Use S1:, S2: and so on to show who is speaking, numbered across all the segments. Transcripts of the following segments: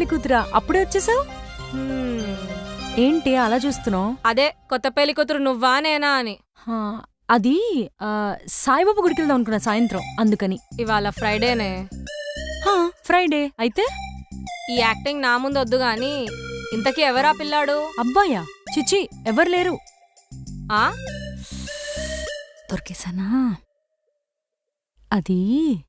S1: పెళ్లి కూతురా అప్పుడే వచ్చేసావు? ఏంటి అలా చూస్తున్నావు?
S2: అదే కొత్త పెళ్లి కూతురు నువ్వా నేనా అని.
S1: అది సాయిబాబా గుడికి వెళ్దాం అనుకున్నా సాయంత్రం, అందుకని.
S2: ఇవాళ ఫ్రైడేనే.
S1: ఫ్రైడే అయితే
S2: ఈ యాక్టింగ్ నా ముందు వద్దు గాని ఇంతకీ ఎవరా పిల్లాడు?
S1: అబ్బాయా? చిచి ఎవరు లేరు.
S2: ఆ
S1: దొరికేసానా? అది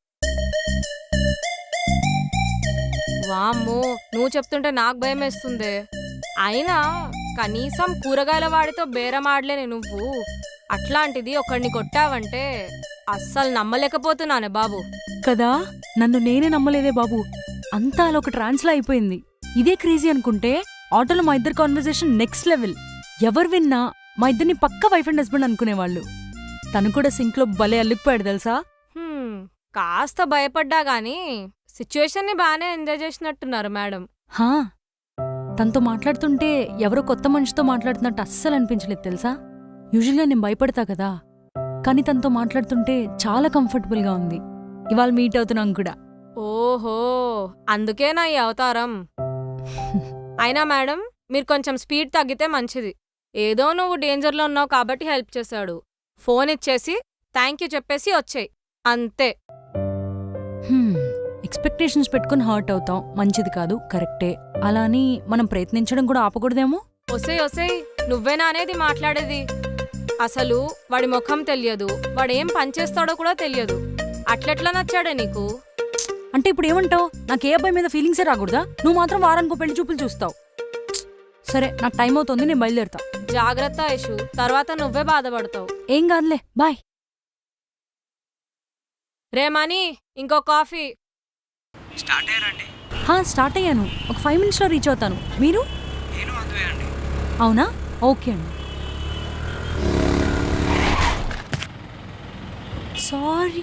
S2: వామ్మో, నువ్వు చెప్తుంటే నాకు భయం వేస్తుంది. అయినా కనీసం కూరగాయల వాడితో బేరమాడలేని నువ్వు అట్లాంటిది ఒకడిని కొట్టావంటే అస్సలు నమ్మలేకపోతున్నానే బాబు.
S1: కదా, నన్ను నేనే నమ్మలేదే బాబు. అంతా అలా ఒక ట్రాన్స్లా అయిపోయింది. ఇదే క్రేజీ అనుకుంటే ఆటోలో మా ఇద్దరు కాన్వర్సేషన్ నెక్స్ట్ లెవెల్. ఎవరు విన్నా మా ఇద్దరిని పక్క వైఫ్ అండ్ హస్బెండ్ అనుకునేవాళ్ళు. తను కూడా సింక్ లో భలే అల్లుకుపోయాడు తెలుసా.
S2: కాస్త భయపడ్డా గాని సిచ్యువేషన్ ని బానే ఎంజాయ్ చేసినట్టున్నారు మేడం.
S1: తనతో మాట్లాడుతుంటే ఎవరో కొత్త మనిషితో మాట్లాడుతున్నట్టు అస్సలు అనిపించలేదు తెలుసా. యూజువల్గా నేను భయపడతా కదా, కానీ తనతో మాట్లాడుతుంటే చాలా కంఫర్టబుల్ గా ఉంది. ఇవాళ మీట్ అవుతున్నాం కూడా.
S2: ఓహో, అందుకేనా ఈ అవతారం. అయినా మేడం మీరు కొంచెం స్పీడ్ తగ్గితే మంచిది. ఏదో నువ్వు డేంజర్లో ఉన్నావు కాబట్టి హెల్ప్ చేశాడు. ఫోన్ ఇచ్చేసి థ్యాంక్ యూ చెప్పేసి వచ్చేయ్ అంతే.
S1: ఎక్స్పెక్టేషన్స్ పెట్టుకుని హర్ట్ అవుతాం, మంచిది కాదు, కరెక్టే. అలా అని మనం ప్రయత్నించడం కూడా ఆపకూడదేమో.
S2: ఒసేయ్ నువ్వేనా అనేది మాట్లాడేది? అసలు వాడి ముఖం తెలియదు, వాడేం పనిచేస్తాడో కూడా తెలియదు. అట్లెట్లా నచ్చాడే నీకు?
S1: అంటే ఇప్పుడు ఏమంటావు? నాకే అబ్బాయి మీద ఫీలింగ్సే రాకూడదా? నువ్వు మాత్రం వారానికో పెళ్లి చూపులు చూస్తావు. సరే, నాకు టైం అవుతుంది, నేను బయలుదేరుతా.
S2: జాగ్రత్త ఐషు, తర్వాత నువ్వే బాధపడతావు.
S1: ఏం కాదులే, బాయ్.
S2: రేమాని, ఇంకో కాఫీ.
S1: స్టార్ట్ అయ్యాను. ఒక 5 minutes లో రీచ్ అవుతాను. మీరు? అవునా? ఓకే అండి. సారీ.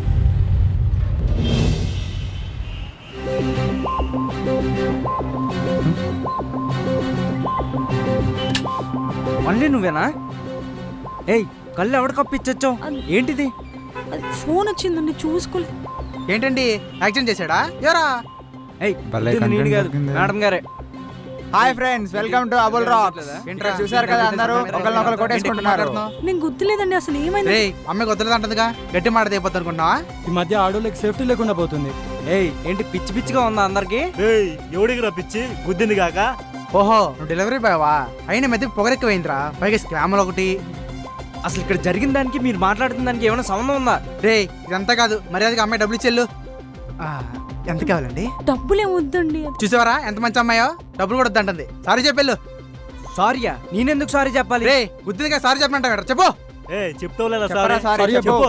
S3: మళ్ళీ నువ్వేనా? ఏయ్, కళ్ళు ఎవడ కప్పిచ్చొచ్చావు? ఏంటిది?
S1: ఫోన్ వచ్చిందండి, చూసుకోలే.
S4: ఏంటండి, యాక్సిడెంట్ చేశాడా? ఎవరా?
S3: మేడం గారే.
S4: Hi friends, welcome to Abul rocks. Intro చూసారు కదా, అందరూ ఒకళ్ళనొకళ్ళు కొట్టేసుకుంటున్నారు.
S1: నేను గుర్తులేదండి, అసలు ఏమైంది?
S4: అమ్మాయి వద్దలేదంటదిగా, గట్టి మాట అయిపోతుంది అనుకున్నావా?
S5: ఈ మధ్య ఆడోళ్ళకి సేఫ్టీ లేకుండా పోతుంది.
S3: ఏయ్, ఏంటి పిచ్చి పిచ్చిగా ఉందా అందరికి?
S5: ఎవడికి రా పిచ్చి గుద్దింది కాక?
S4: ఓహో, నువ్వు డెలివరీ బాయవా? అయినా మెదకి పొగరెక్కువైందిరా, పైగా స్కామ్లు ఒకటి.
S3: అసలు ఇక్కడ జరిగిన దానికి మీరు మాట్లాడుతున్న దానికి ఏమైనా సంబంధం ఉందా?
S4: ఇదంతా కాదు, మర్యాదగా అమ్మాయి డబ్బులు ఇచ్చెళ్ళు. ఎంత కావాలండి?
S1: డబ్బులే వద్దండి.
S4: చూసావరా ఎంత మంచి అమ్మాయో, డబ్బులు కూడా వద్దంటుంది. సారీ చెప్పెళ్ళు.
S3: సారీయా? నేనెందుకు సారీ చెప్పాలి?
S4: గుద్దిగా సారీ చెప్పనంట, చెప్పు.
S5: చెప్తావులేదా?
S4: సారీ చెప్పు.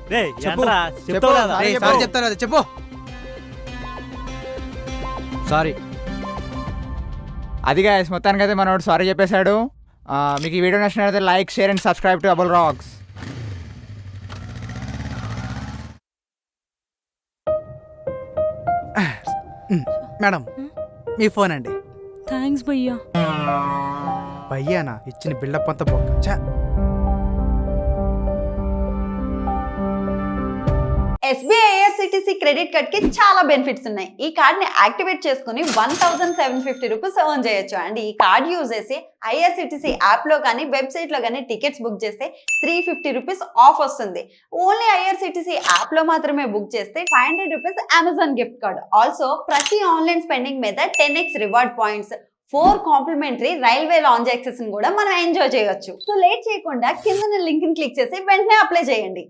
S4: సారీ చెప్తారు కదా, చెప్పు.
S3: సారీ.
S6: అదిగా మొత్తానికి అయితే మనోడు సారీ చెప్పేశాడు. మీకు ఈ వీడియో నచ్చినట్లయితే like, share and subscribe to Abul rocks.
S4: Madam, మీ ఫోన్ అండి.
S1: థ్యాంక్స్ భయ్యా.
S4: భయ్యానా? ఇచ్చిన బిల్డప్ అంతా బొక్క.
S7: SBI IRCTC క్రెడిట్ కార్డ్ కి చాలా బెనిఫిట్స్ ఉన్నాయి. ఈ కార్డ్ ని యాక్టివేట్ చేసుకుని 1750 రూపీస్ ఎర్న్ చేయొచ్చు. అండ్ ఈ కార్డ్ యూజ్ చేసి IRCTC యాప్ లో కానీ వెబ్సైట్ లో కానీ టికెట్స్ బుక్ చేస్తే 350 రూపీస్ ఆఫ్ వస్తుంది. ఓన్లీ IRCTC యాప్ లో మాత్రమే బుక్ చేస్తే 500 rupees Amazon gift card. Also ప్రతి ఆన్లైన్ స్పెండింగ్ మీద 10x reward points, 4 complimentary railway lounge access కూడా మనం ఎంజాయ్ చేయొచ్చు. సో లేట్ చేయకుండా కింద లింక్ ని క్లిక్ చేసి వెంటనే అప్లై చేయండి.